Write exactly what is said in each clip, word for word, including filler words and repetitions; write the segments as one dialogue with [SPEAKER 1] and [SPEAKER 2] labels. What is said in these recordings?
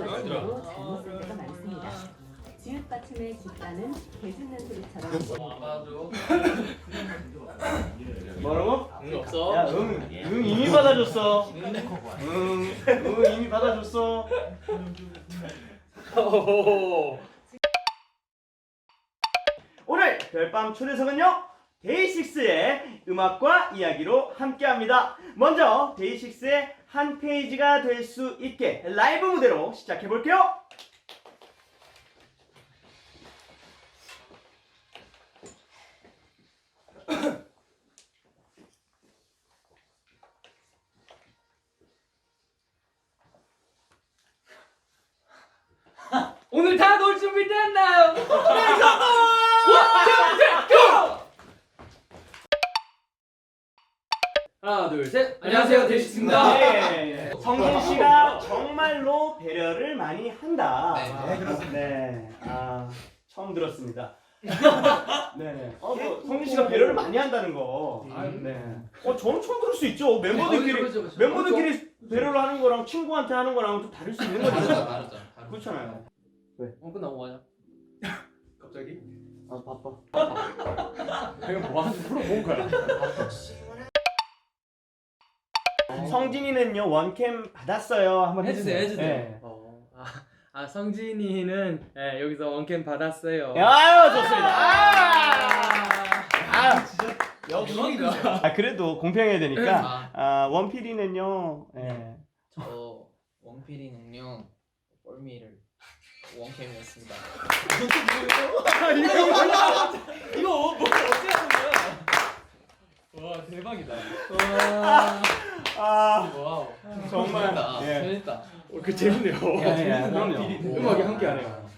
[SPEAKER 1] 것으로 잘못 쓸 때가 많습니다. 지읒 받침의 집단은 개 짖는 소리처럼
[SPEAKER 2] 뭐라고?
[SPEAKER 3] 응 없어.
[SPEAKER 2] 야, 응, 응 이미 받아줬어. 응, 응 이미 받아줬어. 오늘 별밤 초대석은요 데이식스의 음악과 이야기로 함께합니다. 먼저 데이식스의 한 페이지가 될 수 있게 라이브 무대로 시작해 볼게요.
[SPEAKER 3] 오늘 다 놀 준비 됐나요? 하나 둘 셋. 안녕하세요 데이식스입니다.
[SPEAKER 2] 네, 성진 씨가 정말로 배려를 많이 한다.
[SPEAKER 3] 네,
[SPEAKER 2] 그렇습니다. 네, 아 처음 들었습니다. 네, 어, 뭐, 성진 씨가 배려를 많이 한다는 거. 네, 어 저는 처음 들을 수 있죠. 멤버들끼리
[SPEAKER 3] 그렇죠, 그렇죠.
[SPEAKER 2] 멤버들끼리 배려를 하는 거랑 친구한테 하는 거랑 좀 다를 수 있는 거죠.
[SPEAKER 3] 다르죠.
[SPEAKER 2] 그렇잖아요.
[SPEAKER 3] 어 끝나고 뭐 하냐?
[SPEAKER 2] 갑자기? 아 바빠.
[SPEAKER 3] 내가 뭐 하는지 물어본 거야.
[SPEAKER 2] 성진이는요 원캠 받았어요. 한번
[SPEAKER 3] 해주세요,
[SPEAKER 2] 해주세요.
[SPEAKER 3] 해주세요.
[SPEAKER 2] 네.
[SPEAKER 3] 어, 아, 아 성진이는 네, 여기서 원캠 받았어요.
[SPEAKER 2] 아유 좋습니다. 아, 아
[SPEAKER 3] 진짜
[SPEAKER 2] 역시.
[SPEAKER 3] 대박이다.
[SPEAKER 2] 아 그래도 공평해야 되니까.
[SPEAKER 3] 아,
[SPEAKER 2] 아 원필이는요. 예.
[SPEAKER 4] 저 원필이는요 뻘미를 원캠이었습니다.
[SPEAKER 3] 이거 뭐 어떻게 하는 거야? 와 대박이다. 와,
[SPEAKER 2] 아
[SPEAKER 3] 와우.
[SPEAKER 2] 정말.
[SPEAKER 4] 재밌다.
[SPEAKER 2] 예.
[SPEAKER 4] 재밌다.
[SPEAKER 3] 어, 그 재밌네요.
[SPEAKER 2] 예, 예, 그럼요.
[SPEAKER 3] 음악이 함께하네요.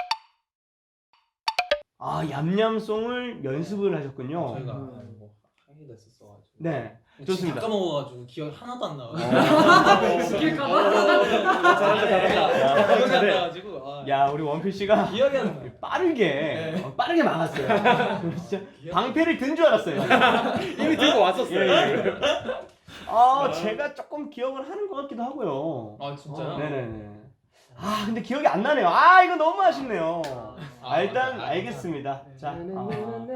[SPEAKER 2] 아 얌얌송을 연습을 하셨군요.
[SPEAKER 4] 저희가 뭐 하기도 했었어가지고.
[SPEAKER 2] 네.
[SPEAKER 4] 진짜
[SPEAKER 2] 좋습니다.
[SPEAKER 4] 까먹어가지고 기억이 하나도 안 나요.
[SPEAKER 3] 스킬
[SPEAKER 2] 어,
[SPEAKER 3] 잘한다, 잘한다.
[SPEAKER 2] 야,
[SPEAKER 4] 기억이 안
[SPEAKER 2] 잘해.
[SPEAKER 4] 나가지고. 아,
[SPEAKER 2] 야 우리 원필 씨가
[SPEAKER 4] 기억이 안 나.
[SPEAKER 2] 빠르게 어, 빠르게 막았어요. 진짜 방패를 든 줄 알았어요.
[SPEAKER 3] 이미 들고 왔었어요.
[SPEAKER 2] 예, 예. 아 제가 조금 기억을 하는 것 같기도 하고요.
[SPEAKER 4] 아 진짜요?
[SPEAKER 2] 네네네. 아 근데 기억이 안 나네요. 아 이거 너무 아쉽네요.
[SPEAKER 4] 아,
[SPEAKER 2] 아, 일단
[SPEAKER 4] 맞아.
[SPEAKER 2] 알겠습니다. 자, 아,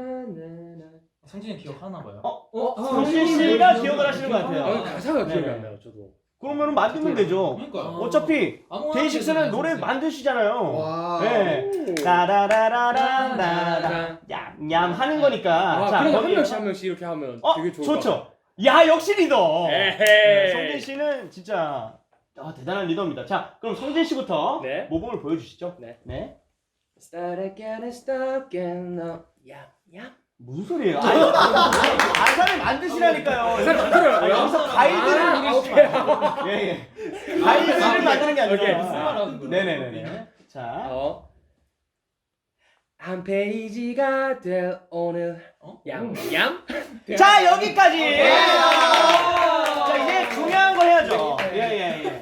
[SPEAKER 4] 성진이 기억하나 봐요.
[SPEAKER 2] 어,
[SPEAKER 3] 어,
[SPEAKER 2] 성진 씨가 기억을 하시는 것 같아요.
[SPEAKER 3] 아, 가사가 기억이
[SPEAKER 2] 네.
[SPEAKER 3] 안 나요, 저도.
[SPEAKER 2] 그러면 만들면 되죠.
[SPEAKER 4] 그러니까요.
[SPEAKER 2] 어차피
[SPEAKER 4] 아무거나
[SPEAKER 2] 데이식스는
[SPEAKER 4] 하면
[SPEAKER 2] 노래
[SPEAKER 4] 되잖아요,
[SPEAKER 2] 만드시잖아요.
[SPEAKER 3] 와.
[SPEAKER 2] 네. 따라라라라라 얌얌 하는 거니까.
[SPEAKER 3] 아,
[SPEAKER 2] 자,
[SPEAKER 3] 그럼 한
[SPEAKER 2] 거기-
[SPEAKER 3] 명씩 한 명씩 이렇게 하면
[SPEAKER 2] 어,
[SPEAKER 3] 되게 좋을 것 같아요.
[SPEAKER 2] 좋죠. 야 역시 리더. 네,
[SPEAKER 3] 에헤이.
[SPEAKER 2] 성진 씨는 진짜 아, 대단한 리더입니다. 자, 그럼 성진 씨부터
[SPEAKER 3] 네.
[SPEAKER 2] 모범을 보여주시죠.
[SPEAKER 3] 네.
[SPEAKER 2] 네.
[SPEAKER 3] Start again and stop again now. 야, 야.
[SPEAKER 2] 무슨 소리예요? 아니, 가사를 만드시라니까요.
[SPEAKER 3] 가사를 만들어요?
[SPEAKER 2] 여기서 가이드를
[SPEAKER 3] 아,
[SPEAKER 2] 이루시면 예, 예. 가이드를 만드는 게
[SPEAKER 3] 오케이.
[SPEAKER 2] 아니라.
[SPEAKER 4] 무슨 말 하는 거예요?
[SPEAKER 2] 네네네. 자,
[SPEAKER 3] 어. 한 페이지가 될 오늘
[SPEAKER 4] 어?
[SPEAKER 3] 얌얌.
[SPEAKER 2] 자 여기까지.
[SPEAKER 3] 예.
[SPEAKER 2] 자 이제 중요한 거 해야죠. 예예 예.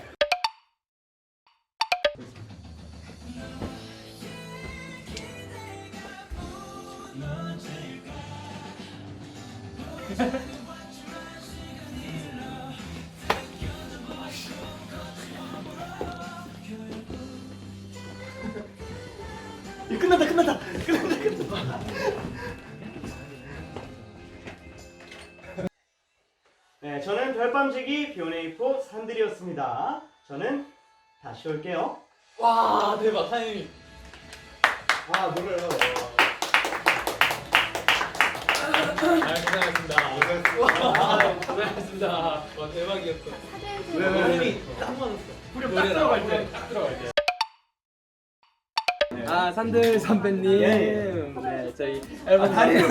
[SPEAKER 2] 이 끝났다 끝났다 끝났다 끝났다. 네, 저는 별밤지기 비오네이포 산들이었습니다. 저는 다시 올게요.
[SPEAKER 4] 와 대박 타이밍.
[SPEAKER 3] 아, 노래요. 아, 고생하셨습니다. 아, 고생하셨습니다.
[SPEAKER 4] 와 대박이었어.
[SPEAKER 2] 왜, 왜, 왜?
[SPEAKER 4] 힘이 딱 맞았어.
[SPEAKER 3] 후렴 딱 들어갈 때, 딱 들어갈 때. 아, 산들 선배님.
[SPEAKER 2] 예, 예.
[SPEAKER 3] 네, 저희 앨범
[SPEAKER 2] 다리가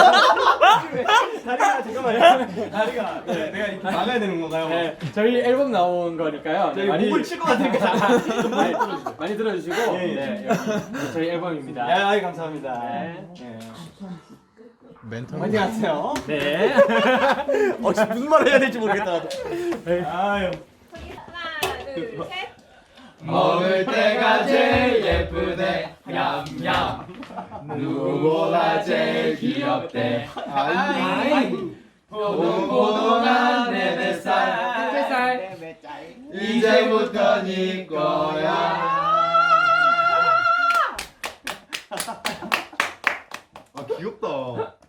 [SPEAKER 2] 다리가 잠깐만요. 다리가 네, 내가 이렇게 막아야 되는 건가요?
[SPEAKER 3] 네, 저희 앨범 나온 거니까요. 네,
[SPEAKER 2] 저희 목을 칠 것 같으니까
[SPEAKER 3] 많이 들어주시고, 많이 들어주시고
[SPEAKER 2] 예, 예.
[SPEAKER 3] 네, 여기 저희 앨범입니다.
[SPEAKER 2] 야, 아이, 감사합니다.
[SPEAKER 3] 네.
[SPEAKER 2] 네.
[SPEAKER 5] 멘탈
[SPEAKER 2] 화이팅 하세요.
[SPEAKER 3] 네.
[SPEAKER 2] 어, 지금 무슨 말을 해야 될지 모르겠다. 나도. 아유.
[SPEAKER 1] 하나 둘 셋.
[SPEAKER 3] 먹을 때가 제일 예쁘대 얌얌 누구보다 제일 귀엽대 아이 보동보동한 내 뱃살 뱃살 이제
[SPEAKER 5] 이제부터 네 거야. 아 귀엽다.